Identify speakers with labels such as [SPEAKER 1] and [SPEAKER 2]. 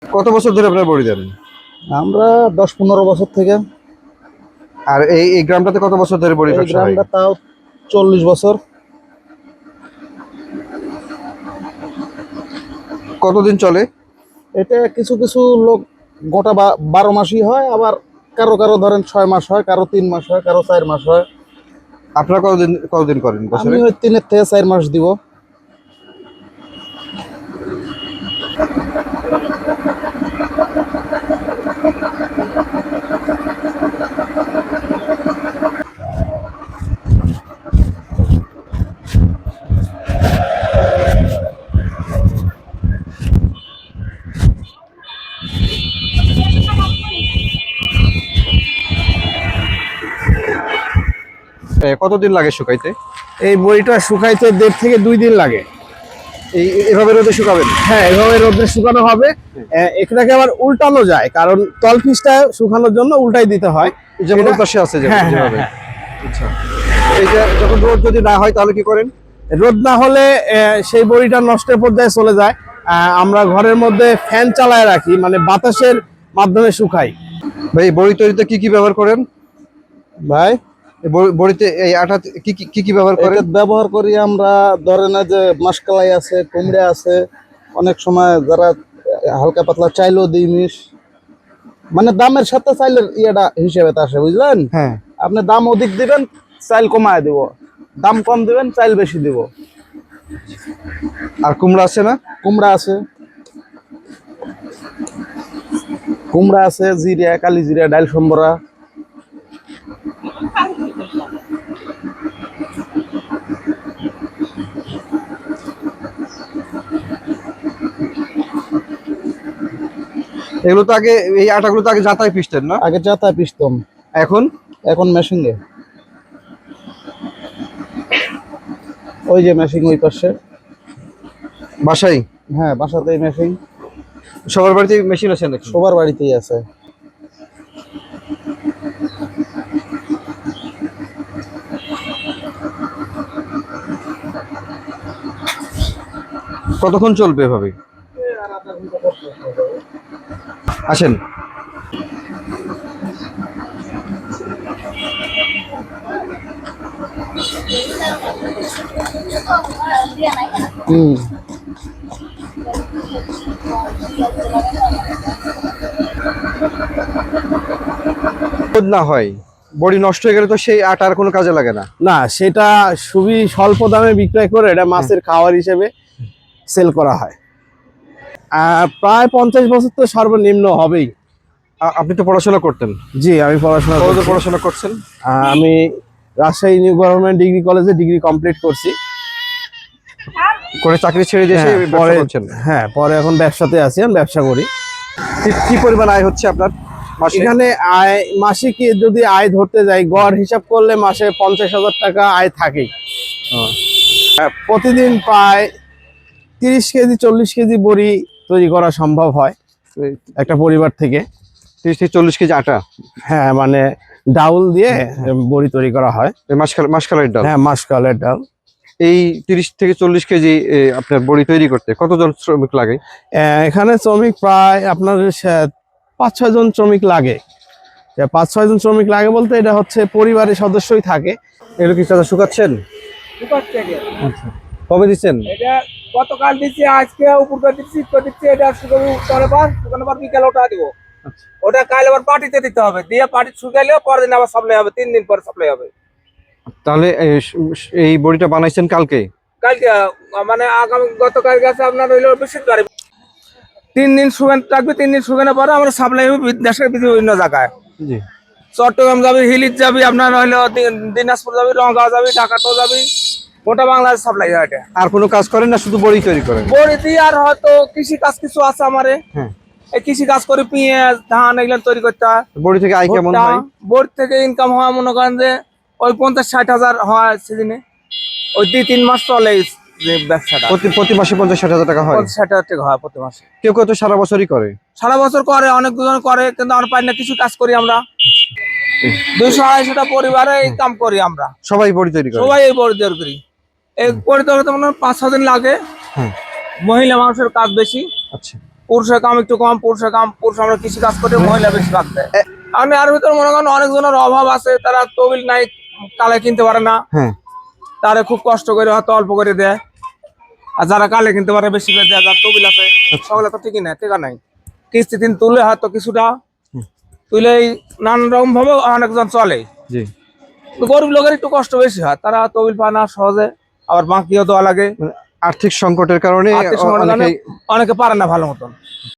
[SPEAKER 1] কত বছর ধরে আপনারা বড়ি দেন?
[SPEAKER 2] আমরা 10-15 বছর থেকে।
[SPEAKER 1] আর এই গ্রামটাতে কত বছর ধরে বড়ি
[SPEAKER 2] এই
[SPEAKER 1] ব্যবসা হয়?
[SPEAKER 2] গ্রামটা তাও 40 বছর।
[SPEAKER 1] কতদিন চলে?
[SPEAKER 2] এটা কিছু কিছু লোক গোটা 12 মাসই হয়, আবার কারো কারো ধরেন 6 মাস হয়, কারো 3 মাস হয়, কারো 4 মাস হয়।
[SPEAKER 1] আপনারা কতদিন করেন
[SPEAKER 2] আমি
[SPEAKER 1] বছরে?
[SPEAKER 2] ওই 3 থেকে 4 মাস দিব।
[SPEAKER 1] কতদিন লাগে শুকাইতে?
[SPEAKER 2] এই বড়িটা শুকাইতে 1.5 থেকে 2 দিন লাগে।
[SPEAKER 1] এভাবে রোদে শুকাবেন?
[SPEAKER 2] হ্যাঁ, এভাবে রোদে শুকানো হবে। এটাকে আবার উল্টানো যায়, কারণ তল পিসটা শুকানোর জন্য উল্টাই দিতে হয়।
[SPEAKER 1] যেমন ওই পাশে আছে
[SPEAKER 2] হ্যাঁ,
[SPEAKER 1] যেভাবে।
[SPEAKER 2] হ্যাঁ।
[SPEAKER 1] আচ্ছা, এই যে যখন রোদ যদি না হয় তাহলে কি করেন?
[SPEAKER 2] রোদ না হলে সেই বড়িটা নষ্টের পর্যায়ে চলে যায়। আমরা ঘরের মধ্যে ফ্যান চালায় রাখি, মানে বাতাসের মাধ্যমে শুকাই।
[SPEAKER 1] ভাই এই বড়ি তৈরিতে কি কি ব্যবহার করেন?
[SPEAKER 2] ভাই
[SPEAKER 1] বড়িতে এই আটা কি ব্যবহার করেন?
[SPEAKER 2] এটা ব্যবহার করি আমরা, ধরেন যে মাসকালাই আছে, কুমড়া আছে, অনেক সময় যারা হালকা পাতলা চাইলেও দিই মিশ, মানে দামের সাথে চাইলের ইয়েটা হিসেবে আসে, বুঝলেন?
[SPEAKER 1] হ্যাঁ।
[SPEAKER 2] আপনি দাম অধিক দিবেন, চাইল কমায় দিব, দাম কম দিবেন, চাইল বেশি দিব।
[SPEAKER 1] আর কুমড়া আছে না?
[SPEAKER 2] কুমড়া আছে, জিরা, কালি জিরা, ডাল সম্বরা।
[SPEAKER 1] এগুলো তো আগে, এই আটাগুলো তো আগে জাতায় পিষতেন না?
[SPEAKER 2] আগে চাতা পিসতাম,
[SPEAKER 1] এখন?
[SPEAKER 2] এখন মেশিনে। ওই যে মেশিন ওই পাশে।
[SPEAKER 1] বাসায়?
[SPEAKER 2] হ্যাঁ, বাসাতেই মেশিন।
[SPEAKER 1] সবার বাড়িতে মেশিন আছে নাকি?
[SPEAKER 2] সবার বাড়িতেই আছে।
[SPEAKER 1] কতক্ষণ চলবে এভাবে? আসেন। না হয় বড়ি নষ্ট হয়ে গেলে তো সেই আটার কোনো কাজে লাগে না।
[SPEAKER 2] না, সেটা খুবই স্বল্প দামে বিক্রয় করে এটা মাছের খাবার হিসেবে সেল করা হয়। প্রায় 50 বছর তো সর্বনিম্ন হবেই।
[SPEAKER 1] আপনি তো পড়াশোনা করতেন?
[SPEAKER 2] জি, আমি
[SPEAKER 1] পড়াশোনা করছেন?
[SPEAKER 2] আমি রাজশাহী নিউ গভর্নমেন্ট ডিগ্রি কলেজে ডিগ্রি কমপ্লিট করছি,
[SPEAKER 1] করে চাকরি ছেড়ে দিয়ে
[SPEAKER 2] পরে হ্যাঁ, পরে এখন ব্যবসাতে আছি, আমি ব্যবসা করি।
[SPEAKER 1] কি পরিমাণ আয় হচ্ছে আপনার মাসে?
[SPEAKER 2] এখানে আয় মাসিক যদি আয় ধরতে যাই, গড় হিসাব করলে মাসে 50,000 টাকা আয় থাকেই। প্রতিদিন প্রায় 30 কেজি 40 কেজি বড়ি তৈরি করা সম্ভব হয় একটা পরিবার থেকে।
[SPEAKER 1] 30 থেকে 40 কেজি আটা?
[SPEAKER 2] হ্যাঁ, মানে ডাউল দিয়ে বড়ি তৈরি করা হয়।
[SPEAKER 1] মাসকালের ডাল?
[SPEAKER 2] হ্যাঁ, মাসকালের ডাল।
[SPEAKER 1] এই 30 থেকে 40 কেজি আপনার বড়ি তৈরি করতে কতজন শ্রমিক লাগে?
[SPEAKER 2] এখানে শ্রমিক প্রায় আপনার 5-6 জন শ্রমিক লাগে। 5-6 জন শ্রমিক লাগে বলতে এটা হচ্ছে পরিবারের সদস্যই থাকে।
[SPEAKER 1] এগুলো কি চাচা শুকাচ্ছেন? আচ্ছা, কবে দিচ্ছেন?
[SPEAKER 3] এটা গতকাল দিচ্ছি, আজকে উপর করে দিচ্ছি, এটা শুকানোর পর বিকালে ওটা দিব। ওটা কাল আবার পার্টিতে দিতে হবে, দিয়ে পার্টি শুকাইলে পরের দিন আবার সাপ্লাই হবে, 3 দিন পরে সাপ্লাই হবে।
[SPEAKER 1] তাহলে এই বড়িটা বানাইছেন কালকে?
[SPEAKER 3] কালকে মানে আগামী গতকাল গেছে আপনার হইলো বৃহস্পতিবার। 3 দিন শুকান থাকবে, 3 দিন শুকানোর পরে আমরা সাপ্লাই হবে দেশের বিভিন্ন জায়গায়।
[SPEAKER 1] জি।
[SPEAKER 3] চট্টগ্রাম যাবি, হিলিত যাবি, আপনার হইলো দিনাজপুর যাবি, রংগাঁও যাবি, ঢাকাতেও যাবি, গোটা বাংলাদেশ সাপ্লাই হয় এটা।
[SPEAKER 1] আর কোনো কাজ করেন না, শুধু বড়ি তৈরি করেন?
[SPEAKER 3] বড়ি দিয়ে আর হয়তো কৃষি কাজ কিছু আছে আমারে।
[SPEAKER 1] হ্যাঁ,
[SPEAKER 3] এই কৃষি কাজ করে পেঁয়াজ, ধান এগুলো তৈরি করতে হয়।
[SPEAKER 1] বড়ি থেকে আয় কেমন হয়?
[SPEAKER 3] বড়ি থেকে ইনকাম হয় মনে করেন যে ওই 50-60 হাজার হয় সিজনে। ওই 2-3 মাস চলে যে ব্যবসাটা।
[SPEAKER 1] প্রতি মাসে 50-60 হাজার টাকা হয়?
[SPEAKER 3] 50-60 হাজার টাকা হয় প্রতি মাসে।
[SPEAKER 1] কেউ কেউ তো সারা বছরই করে।
[SPEAKER 3] সারা বছর করে, অনেক দুজন করে, কিন্তু আমরা পাই না, কিছু কাজ করি আমরা। 200-250টা পরিবারে এই কাম করি আমরা।
[SPEAKER 1] সবাই বড়ি তৈরি করে?
[SPEAKER 3] সবাই এই বড়ি তৈরি করি। এই বড়ি তৈরি করতে মনে হয় 5-6 দিন লাগে। মহিলা মানুষের কাজ বেশি।
[SPEAKER 1] আচ্ছা,
[SPEAKER 3] পুরুষের কাম একটু কম, পুরুষ আমরা কৃষি কাজ করে, মহিলা বেশি ভাগ দেয়। আমি আর ভিতরে মনে করেন অনেকজনের অভাব আছে, তারা তবিল নাই, কালে কিনতে পারে না,
[SPEAKER 1] হ্যাঁ
[SPEAKER 3] তারা খুব কষ্ট করে হয়তো অল্প করে দেয়। আর যারা কালে কিনতে পারে বেশি করে দেয়, যার তবিল আছে সকলে তো ঠিকই নাই, টেকা নাই, কিস্তি দিন তুলে হয়তো কিছুটা তুলে নানান রকম ভাবে অনেকজন চলে।
[SPEAKER 1] জি।
[SPEAKER 3] তো গরিব লোকের একটু কষ্ট বেশি হয়, তারা তবিল পায় না সহজে, আবার বাকিও দেওয়া লাগে।
[SPEAKER 1] আর্থিক সংকটের কারণে
[SPEAKER 3] আর্থিক সংকটের কারণে
[SPEAKER 1] অনেকেই
[SPEAKER 3] অনেকে পারে না ভালো মতন।